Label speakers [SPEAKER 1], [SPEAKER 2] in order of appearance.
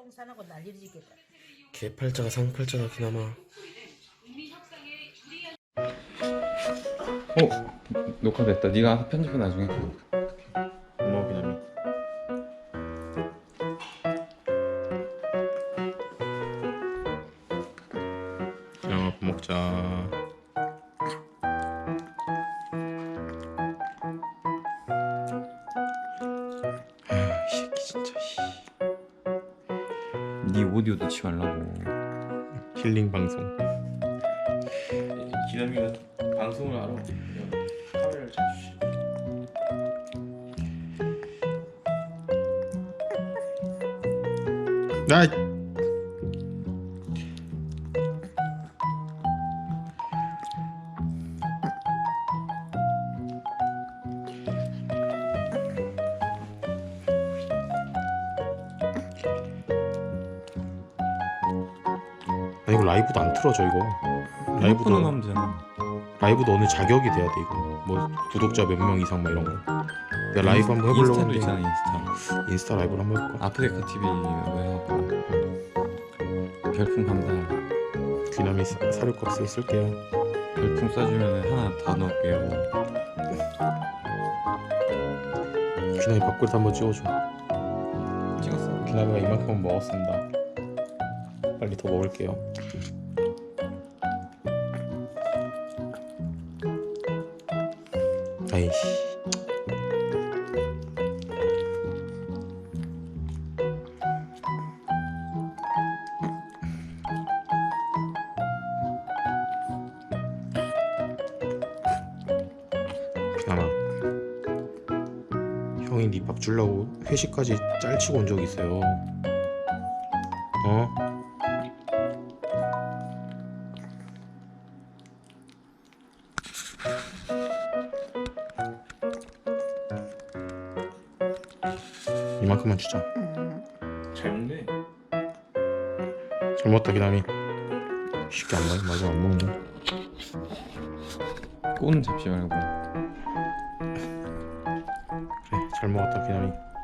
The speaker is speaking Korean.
[SPEAKER 1] 똥산하고 난리를 짓겠다.
[SPEAKER 2] 개팔자가 상팔자다 그나마.
[SPEAKER 3] 녹화됐다. 네가 편집은 나중에.
[SPEAKER 2] 고마워 기남이. 기남아 밥 먹자. 이 새끼 진짜.
[SPEAKER 3] 네 오디오 넣지 말라고.
[SPEAKER 2] 힐링 방송. 기남이가 방송을 알아. 카메라를 잘 주시. 나. 아 이거 라이브도 안 틀어져 이거.
[SPEAKER 3] 라이브도 하면 되잖아.
[SPEAKER 2] 라이브도 어느 자격이 돼야 돼 이거. 뭐 구독자 몇 명 이상 막 이런 거. 내가 라이브 한번 해보려고
[SPEAKER 3] 인스타도
[SPEAKER 2] 하는데
[SPEAKER 3] 있잖아. 인스타.
[SPEAKER 2] 인스타 라이브를 한번 해볼까?
[SPEAKER 3] 아프리카 TV 해갖고 별풍 감사.
[SPEAKER 2] 귀남이 사료값을 쓸게요.
[SPEAKER 3] 별풍 쏴주면 하나 더 넣을게요.
[SPEAKER 2] 귀남이 밥그릇 한번 찍어줘.
[SPEAKER 3] 찍었어.
[SPEAKER 2] 귀남이가 이만큼은 먹었습니다. 빨리 더 먹을게요. 아이씨. 귀남아, 형이 네 밥 주려고 회식까지 짤치고 온 적이 있어요. 어? 이만큼만 주자. 잘 먹네. 잘 먹었다 기남이. 쉽게 안 맞아 안 먹네.
[SPEAKER 3] 꼬는 잡지 말고.
[SPEAKER 2] 그래 잘 먹었다 기남이.